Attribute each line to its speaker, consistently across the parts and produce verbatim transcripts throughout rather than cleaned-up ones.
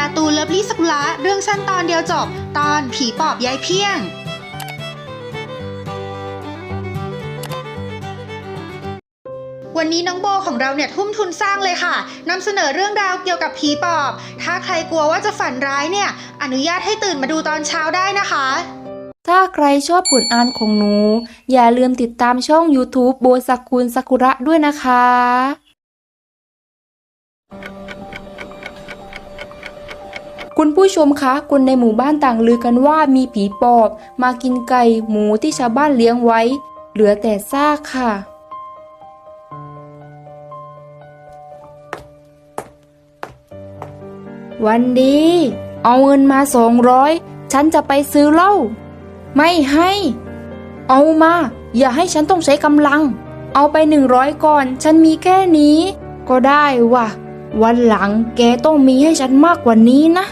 Speaker 1: การ์ตูนเลิฟลี่สกุละเรื่องสั้นตอนเดียวจบตอนผีปอบยายเพี้ยงวันนี้น้องโบของเราเนี่ยทุ่มทุนสร้างเลยค่ะนำเสนอเรื่องราวเกี่ยวกับผีปอบถ้าใครกลัวว่าจะฝันร้ายเนี่ยอนุญาตให้ตื่นมาดูตอนเช้าได้นะคะ
Speaker 2: ถ้าใครชอบผลอ่านของหนูอย่าลืมติดตามช่อง YouTube โบซากุนซากุระด้วยนะคะคุณผู้ชมคะคนในหมู่บ้านต่างลือกันว่ามีผีปอบมากินไก่หมูที่ชาวบ้านเลี้ยงไว้เหลือแต่ซากค่ะวันดีเอาเงินมาสองร้อยฉันจะไปซื้อเหล้าไม่ให้เอามาอย่าให้ฉันต้องใช้กำลังเอาไปหนึ่งร้อยก่อนฉันมีแค่นี้ก็ได้ว่ะวันหลังแกต้องมีให้ฉันมากกว่านี้นะ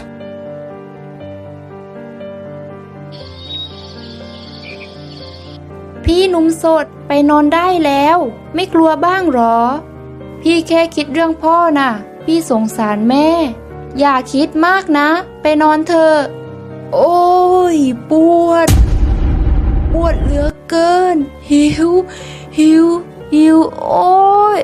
Speaker 2: พี่หนุ่มโสดไปนอนได้แล้วไม่กลัวบ้างหรอพี่แค่คิดเรื่องพ่อน่ะพี่สงสารแม่อย่าคิดมากนะไปนอนเถอะโอ้ยปวดปวดเหลือเกินหิวหิวหิวโอ้ย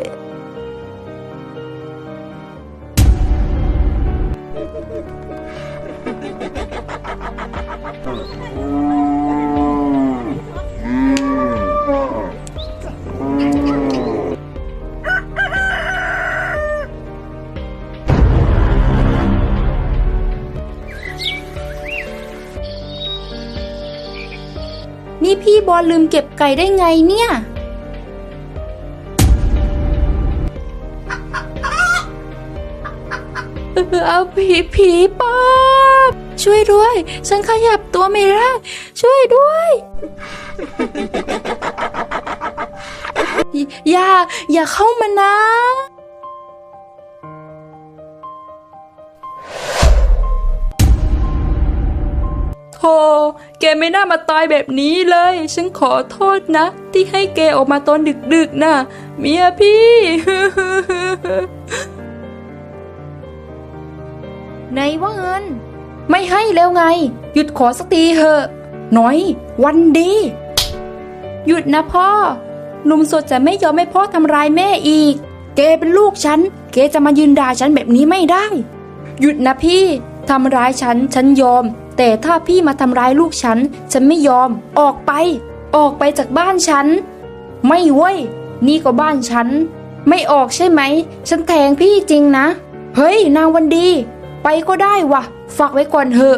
Speaker 2: นี่พี่บอลลืมเก็บไก่ได้ไงเนี่ยเอาผีผีปอบช่วยด้วยฉันขยับตัวไม่ได้ช่วยด้วยอย่าอย่าเข้ามานะโธ่แกไม่น่ามาตายแบบนี้เลยฉันขอโทษนะที่ให้แกออกมาตอนดึกๆน่ะเมียพี่ ไหนว่าเงินไม่ให้แล้วไงหยุดขอสักทีเถอะหน่อยวันดีหยุดนะพ่อหนุ่มโสดจะไม่ยอมให้พ่อทำร้ายแม่อีกแกเป็นลูกฉันแกจะมายืนด่าฉันแบบนี้ไม่ได้หยุดนะพี่ทำร้ายฉันฉันยอมแต่ถ้าพี่มาทำร้ายลูกฉันฉันไม่ยอมออกไปออกไปจากบ้านฉันไม่เว้ยนี่ก็บ้านฉันไม่ออกใช่ไหมฉันแทงพี่จริงนะเฮ้ยนางวันดีไปก็ได้วะฝากไว้ก่อนเถอะ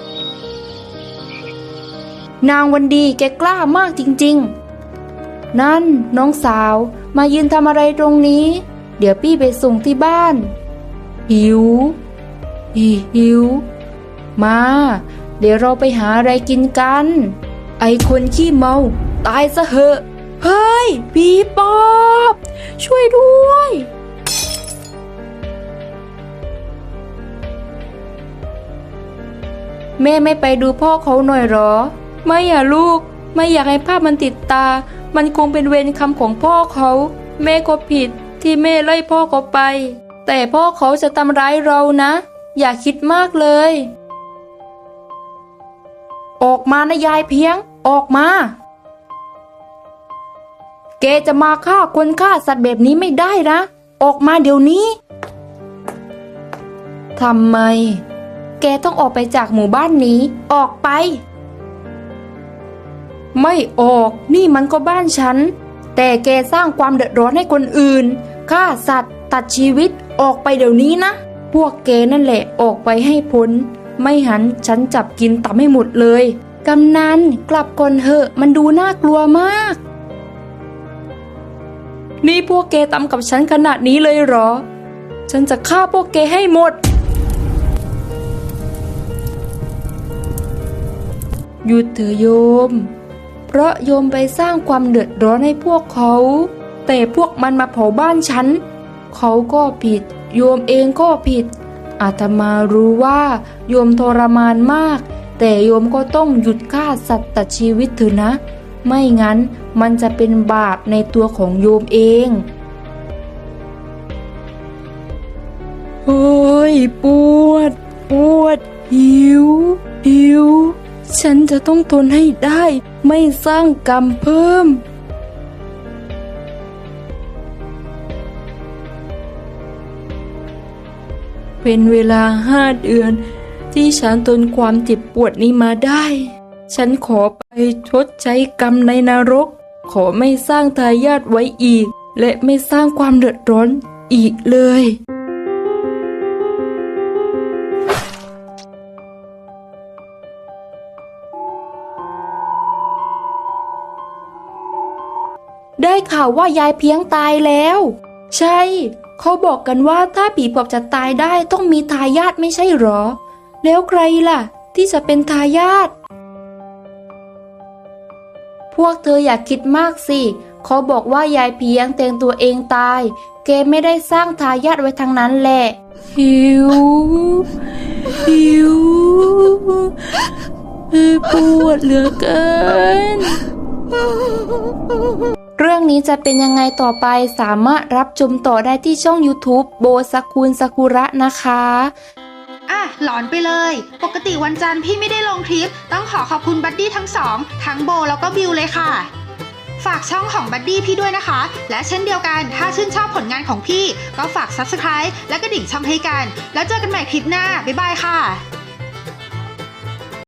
Speaker 2: นางวันดีแกกล้ามากจริงๆนั่นน้องสาวมายืนทำอะไรตรงนี้เดี๋ยวพี่ไปส่งที่บ้านหิวหิวมาเดี๋ยวเราไปหาอะไรกินกันไอคนขี้เมาตายซะเหอะเฮ้ยผีปอบช่วยด้วยแม่ไม่ไปดูพ่อเขาหน่อยหรอไม่อ่ะลูกไม่อยากให้ภาพมันติดตามันคงเป็นเวรกรรมของพ่อเขาแม่ก็ผิดที่แม่ไล่พ่อเขาไปแต่พ่อเขาจะทำร้ายเรานะอย่าคิดมากเลยออกมานะยายเพียงออกมาแกจะมาฆ่าคนฆ่าสัตว์แบบนี้ไม่ได้นะออกมาเดี๋ยวนี้ทำไมแกต้องออกไปจากหมู่บ้านนี้ออกไปไม่ออกนี่มันก็บ้านฉันแต่แกสร้างความเดือดร้อนให้คนอื่นฆ่าสัตว์ตัดชีวิตออกไปเดี๋ยวนี้นะพวกแกนั่นแหละออกไปให้พ้นไม่หันฉันจับกินตับให้หมดเลยกำนันกลับก่อนเถอะมันดูน่ากลัวมากนี่พวกแกทำกับฉันขนาดนี้เลยเหรอฉันจะฆ่าพวกแกให้หมดหยุดเถอะโยมเพราะโยมไปสร้างความเดือดร้อนให้พวกเขาแต่พวกมันมาเผาบ้านฉันเขาก็ผิดโยมเองก็ผิดอาตมารู้ว่าโยมทรมานมากแต่โยมก็ต้องหยุดฆ่าสัตว์ตัดชีวิตเถอะนะไม่งั้นมันจะเป็นบาปในตัวของโยมเองโอ้ยปวดปวดหิวหิวฉันจะต้องทนให้ได้ไม่สร้างกรรมเพิ่มเป็นเวลาห้าเดือนที่ฉันทนความเจ็บปวดนี้มาได้ ฉันขอไปชดใช้กรรมในนรก ขอไม่สร้างทายาทไว้อีก และไม่สร้างความเดือดร้อนอีกเลย ได้ข่าวว่ายายเพียงตายแล้ว ใช่ เขาบอกกันว่าถ้าผีปอบจะตายได้ต้องมีทายาทไม่ใช่หรอ แล้วใครล่ะ ที่จะเป็นทายาทพวกเธออยากคิดมากสิเขาบอกว่ายายเพียงแตงตัวเองตายแกไม่ได้สร้างทายาทไว้ทางนั้นแหละหิวหิวปวดเหลือเกินเรื่องนี้จะเป็นยังไงต่อไปสามารถรับชมต่อได้ที่ช่อง YouTube โบสกุลซากุระนะคะ
Speaker 1: อ่ะหลอนไปเลยปกติวันจันทร์พี่ไม่ได้ลงคลิปต้องขอขอบคุณบัดดี้ทั้งสองทั้งโบแล้วก็บิวเลยค่ะฝากช่องของบัดดี้พี่ด้วยนะคะและเช่นเดียวกันถ้าชื่นชอบผลงานของพี่ก็ฝาก ซับสไครบ์ และกระดิ่งช่องให้กันแล้วเจอกันใหม่คลิปหน้าบ๊ายบายค่ะ